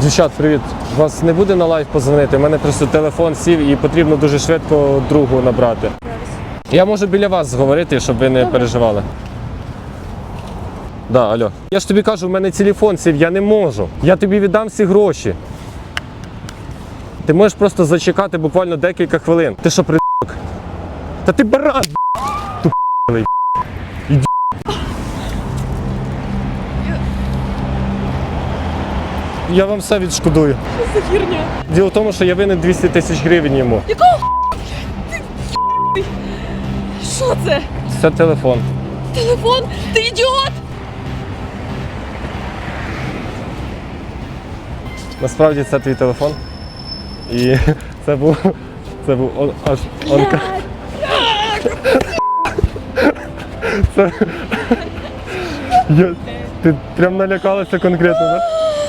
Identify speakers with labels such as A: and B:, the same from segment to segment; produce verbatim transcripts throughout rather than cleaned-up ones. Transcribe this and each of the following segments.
A: Дівчат, привіт. Вас не буде на лайв позвонити? У мене просто телефон сів і потрібно дуже швидко другу набрати. Я можу біля вас говорити, щоб ви не переживали. Да, алло. Я ж тобі кажу, в мене телефон сів, я не можу. Я тобі віддам всі гроші. Ти можеш просто зачекати буквально декілька хвилин. Ти що, придурок? Та ти баран, тупий. Іди. Я вам все відшкодую.
B: Що за херня?
A: Діло в тому, що я винен двісті тисяч гривень йому.
B: Якого ти? Що це?
A: Це телефон.
B: Телефон? Ти ідіот?
A: Насправді це твій телефон. І це був, це був он, аж онка. Це... Я... Ти прям налякалася конкретно, так?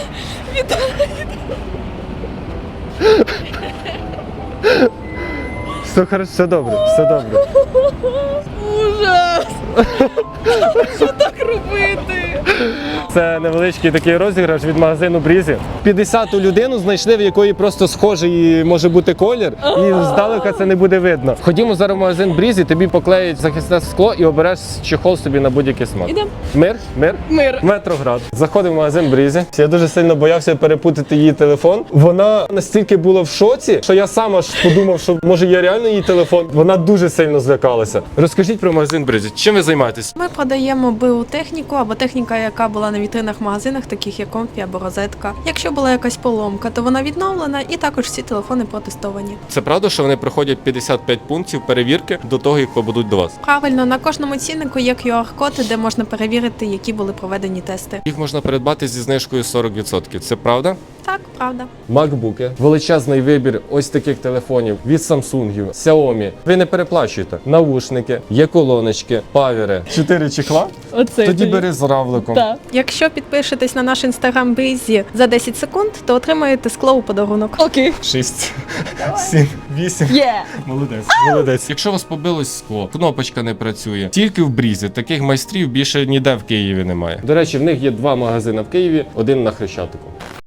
A: Все хорошо, все добре, все добре.
B: Ужас! Що так робити?
A: Це невеличкий такий розіграш від магазину Брізі. п'ятдесяту людину знайшли, в якої просто схожий може бути колір, і здалека це не буде видно. Ходімо зараз в магазин Брізі, тобі поклеють захисне скло і обереш чехол собі на будь-який смак.
B: Ідем.
A: Мир? Мир?
B: Мир.
A: Метроград. Заходив в магазин Брізі. Я дуже сильно боявся перепутати її телефон. Вона настільки була в шоці, що я сам аж подумав, що може є реально її телефон. Вона дуже сильно злякалася. Розкажіть про магазин Брізі. Чим ви займаєтесь?
C: Ми продаємо БУ техніку або техніка, яка була на вітринах в магазинах, таких як Комфі або Розетка. Якщо була якась поломка, то вона відновлена, і також всі телефони протестовані.
A: Це правда, що вони проходять п'ятдесят п'ять пунктів перевірки до того, як побудуть до вас?
C: Правильно, на кожному ціннику є кю ар-код, де можна перевірити, які були проведені тести.
A: Їх можна придбати зі знижкою сорок відсотків. Це правда?
C: Так, правда.
A: Макбуки, величезний вибір ось таких телефонів від Samsung, Xiaomi. Ви не переплачуєте. Навушники, є колоночки, павери. Чотири чехла?
B: Оце
A: Тоді бери з равликом.
B: Так.
C: Якщо підпишетесь на наш інстаграм Брізі за десять секунд, то отримаєте скло у подарунок.
B: Окей.
A: Шість, сім, вісім.
B: Є.
A: Молодець, молодець. Якщо у вас побилось скло, кнопочка не працює. Тільки в Брізі. Таких майстрів більше ніде в Києві немає. До речі, в них є два магазини в Києві, один на Хрещатику.